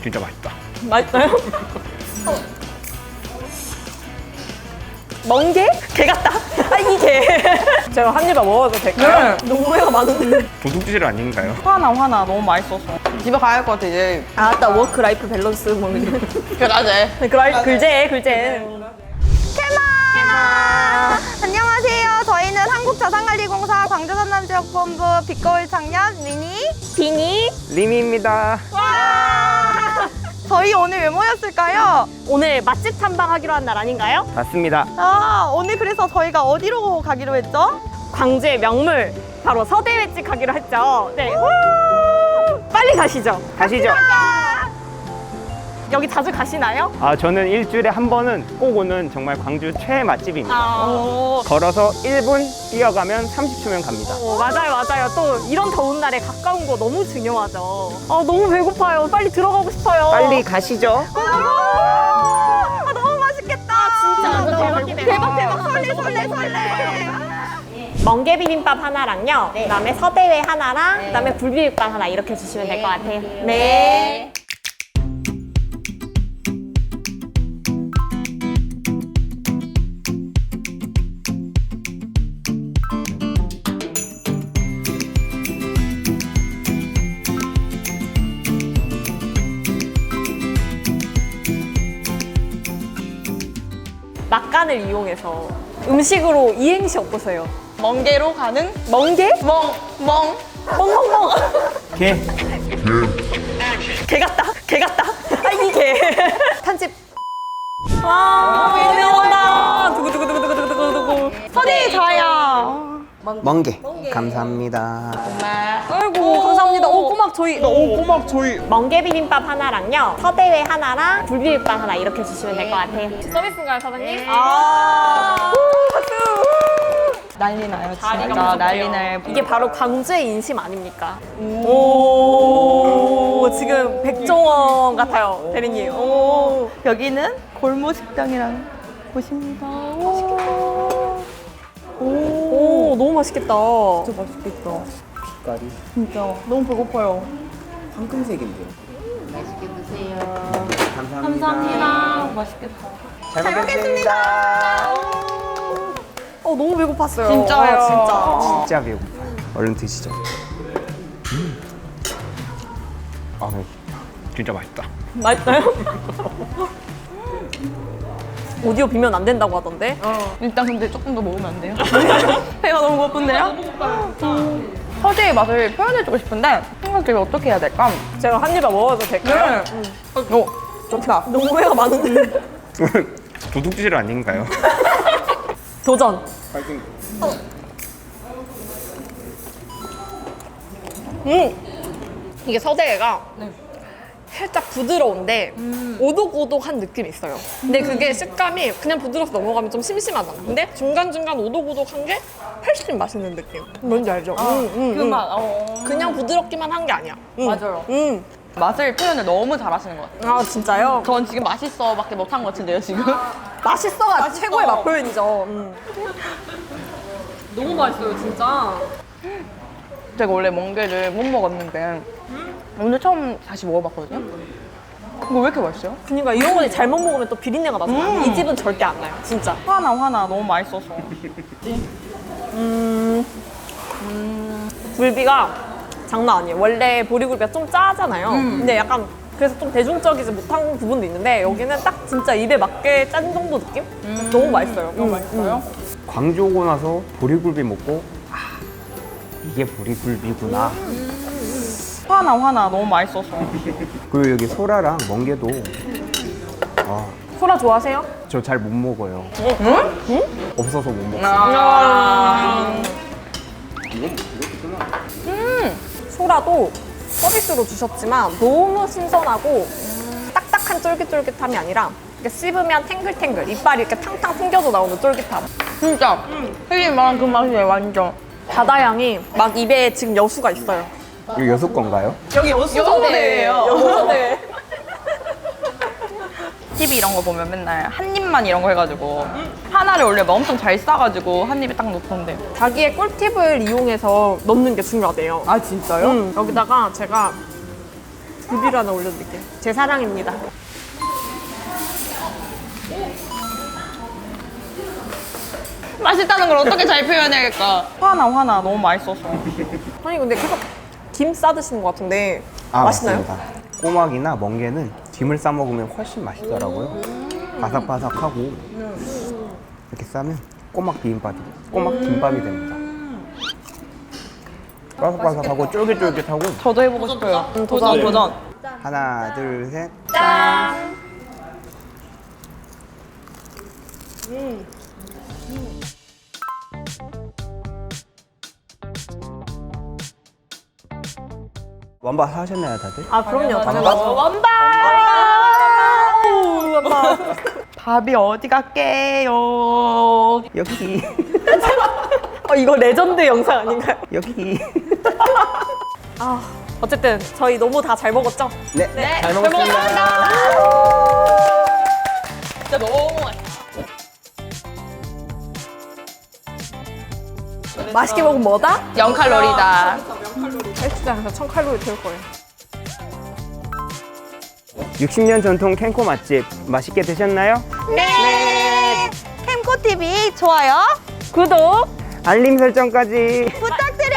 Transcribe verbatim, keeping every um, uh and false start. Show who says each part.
Speaker 1: 진짜 맛있다.
Speaker 2: 맛있어요? 멍게? 개 같다. 아, 이 개. 제가 한 입에 먹어도 될까요?
Speaker 3: 네.
Speaker 2: 너무 회가 많은데.
Speaker 1: 도둑질 아닌가요?
Speaker 3: 화나 화나 너무 맛있어서 집에 가야 할 것 같아 이제.
Speaker 2: 아, 아따 워크 라이프 밸런스 뭐 이런.
Speaker 3: 그라제.
Speaker 2: 그라 글제 글제.
Speaker 4: 캐마! 안녕하세요. 저희는 한국자산관리공사 광주전남지역본부 빛거울 청년 미니
Speaker 2: 비니.
Speaker 1: 리미입니다.
Speaker 4: 와! 저희 오늘 왜 모였을까요?
Speaker 2: 오늘 맛집 탐방하기로 한 날 아닌가요?
Speaker 1: 맞습니다.
Speaker 4: 아, 오늘 그래서 저희가 어디로 가기로 했죠?
Speaker 2: 광주의 명물 바로 서대회집 가기로 했죠. 네. 후! 빨리 가시죠.
Speaker 1: 가시죠.
Speaker 2: 여기 자주 가시나요?
Speaker 1: 아, 저는 일주일에 한 번은 꼭 오는 정말 광주 최애 맛집입니다.
Speaker 2: 아,
Speaker 1: 걸어서 일 분, 뛰어가면 삼십 초면 갑니다.
Speaker 2: 어, 맞아요, 맞아요. 또 이런 더운 날에 가까운 거 너무 중요하죠. 아, 너무 배고파요. 빨리 들어가고 싶어요.
Speaker 1: 빨리 가시죠.
Speaker 4: 아, 너무 맛있겠다.
Speaker 2: 진짜
Speaker 4: 너무
Speaker 2: 대박이네요.
Speaker 4: 대박 대박 설레 설레 설레.
Speaker 2: 멍게 비빔밥 하나랑요. 그다음에 서대회 하나랑 그다음에 굴비빔밥 하나 이렇게 주시면 될 것 같아요. 네. 막간을 이용해서 음식으로 이행시 어떠세요?
Speaker 3: 멍게로 가는
Speaker 2: 멍게?
Speaker 3: 멍 멍.
Speaker 2: 멍멍멍.
Speaker 1: 개.
Speaker 2: 개 같다. 개 같다. 아, 이 개. 편집. 와, 유명하다. 두구두구두구두구두구두구.
Speaker 4: 선생님 저요.
Speaker 1: 멍게. 감사합니다.
Speaker 2: 아이고, 감사합니다. 오, 꼬막 저희.
Speaker 1: 오, 꼬막 저희.
Speaker 2: 멍게 비빔밥 하나랑요. 서대회 하나랑 굴비빔밥 하나 이렇게 주시면 될 것 같아요. 서비스인가요, 사장님? 아. 오, 박수.
Speaker 3: 난리 나요
Speaker 2: 다리가
Speaker 3: 진짜.
Speaker 2: 무섭대요.
Speaker 3: 난리 나요.
Speaker 2: 이게 바로 광주의 인심 아닙니까? 오, 지금 백종원 같아요, 대리님. 오.
Speaker 4: 여기는 골모 식당이라는 곳입니다. 오.
Speaker 2: 오, 너무 맛있겠다.
Speaker 3: 진짜 맛있겠다.
Speaker 1: 빛깔이
Speaker 3: 진짜 너무 배고파요.
Speaker 1: 황금색인데요.
Speaker 5: 맛있게 드세요.
Speaker 1: 감사합니다.
Speaker 3: 맛있겠다.
Speaker 1: 잘 먹겠습니다.
Speaker 2: 어, 너무 배고팠어요.
Speaker 3: 진짜요.
Speaker 2: 진짜.
Speaker 1: 진짜 배고파요. 얼른 드시죠. 음. 아, 진짜 맛있다.
Speaker 2: 맛있어요? 오디오 비면 안 된다고 하던데?
Speaker 3: 일단 근데 조금 더 먹으면 안 돼요? 배가 너무 고픈데요? 음. 서재의 맛을 표현해주고 싶은데 생각해보면 어떻게 해야 될까?
Speaker 2: 제가 한 입에 먹어도 될까요?
Speaker 3: 오, 좋다.
Speaker 2: 너무 회가 많은데.
Speaker 1: 도둑질 아닌가요?
Speaker 2: 도전.
Speaker 1: 파이팅.
Speaker 2: 음, 이게 서대회가 살짝 부드러운데 오독오독한 느낌이 있어요. 근데 그게 식감이 그냥 부드러워서 넘어가면 좀 심심하잖아. 근데 중간중간 오독오독한 게 훨씬 맛있는 느낌. 뭔지 알죠? 음, 음,
Speaker 3: 그
Speaker 2: 음.
Speaker 3: 맛, 어.
Speaker 2: 그냥 부드럽기만 한 게 아니야. 음.
Speaker 3: 맞아요.
Speaker 2: 음.
Speaker 3: 맛을 표현을 너무 잘하시는 것 같아요.
Speaker 2: 아, 진짜요?
Speaker 3: 전 지금 맛있어밖에 못한 것 같은데요, 지금?
Speaker 2: 맛있어가 최고의 맛 표현이죠. 음. 너무 맛있어요, 진짜.
Speaker 3: 제가 원래 멍게를 못 먹었는데 오늘 처음 다시 먹어봤거든요. 이거 왜 이렇게 맛있어요?
Speaker 2: 그러니까 이런 거 잘못 먹으면 또 비린내가 나잖아. 이 집은 절대 안 나요, 진짜.
Speaker 3: 화나 화나 너무 맛있어서.
Speaker 2: 굴비가 장난 아니에요. 원래 보리굴비가 좀 짜잖아요. 근데 약간 그래서 좀 대중적이지 못한 부분도 있는데 여기는 딱 진짜 입에 맞게 짠 정도 느낌? 너무 맛있어요.
Speaker 3: 너무 맛있어요?
Speaker 1: 광주 오고 나서 보리굴비 먹고 아, 이게 보리굴비구나.
Speaker 3: 화나 화나 너무 맛있어서.
Speaker 1: 그리고 여기 소라랑 멍게도 아,
Speaker 2: 소라 좋아하세요?
Speaker 1: 저 잘 못 먹어요. 없어서 못 먹어요.
Speaker 3: 아.
Speaker 2: 소라도 서비스로 주셨지만 너무 신선하고 딱딱한 쫄깃쫄깃함이 아니라 이렇게 씹으면 탱글탱글 이빨이 이렇게 탕탕 튕겨져 나오는 쫄깃함.
Speaker 3: 진짜 혜진이 말한 그 맛이에요, 완전.
Speaker 2: 바다향이 막 입에 지금 여수가 있어요.
Speaker 1: 이거 여섯 건가요?
Speaker 2: 여기
Speaker 3: 여수대예요.
Speaker 2: 여수대.
Speaker 3: 티비 이런 거 보면 맨날 한 입만 이런 거 해가지고 하나를 원래 엄청 잘 싸가지고 한 입에 딱 놓던데.
Speaker 2: 자기의 꿀팁을 이용해서 넣는 게 중요하대요.
Speaker 3: 아 진짜요?
Speaker 2: 음, 여기다가 제가 뷰비를 하나 올려드릴게요. 제 사랑입니다.
Speaker 3: 맛있다는 걸 어떻게 잘 표현해야겠까? 화나 화나 너무 맛있어서.
Speaker 2: 아니 근데 계속 김 싸드시는 것 같은데
Speaker 1: 아,
Speaker 2: 맛있나요?
Speaker 1: 맞습니다. 꼬막이나 멍게는 김을 싸 먹으면 훨씬 맛있더라고요. 바삭바삭하고 이렇게 싸면 꼬막 비빔밥이, 꼬막 김밥이 됩니다. 바삭바삭하고 쫄깃쫄깃하고.
Speaker 3: 저도 해보고 싶어요.
Speaker 2: 음,
Speaker 3: 도전 도전.
Speaker 1: 하나, 둘, 셋. 완밥 하셨나요, 다들?
Speaker 2: 아 그럼요, 당연하죠.
Speaker 3: 원반. 밥이 어디 갈게요?
Speaker 1: 여기,
Speaker 2: 어, 이거 레전드 영상 아닌가요?
Speaker 1: 여기.
Speaker 2: 아 어쨌든 저희 너무 다 잘 먹었죠?
Speaker 1: 네, 잘 먹었습니다.
Speaker 3: 진짜 너무 맛있어.
Speaker 2: 맛있게 먹으면 뭐다?
Speaker 3: 영 칼로리다.
Speaker 2: 헬스장에서 천 칼로리 태울 거예요.
Speaker 1: 육십 년 전통 캔코 맛집 맛있게 드셨나요?
Speaker 4: 네. 캠코티비 좋아요
Speaker 2: 구독!
Speaker 1: 알림 설정까지.
Speaker 4: 부탁드려요.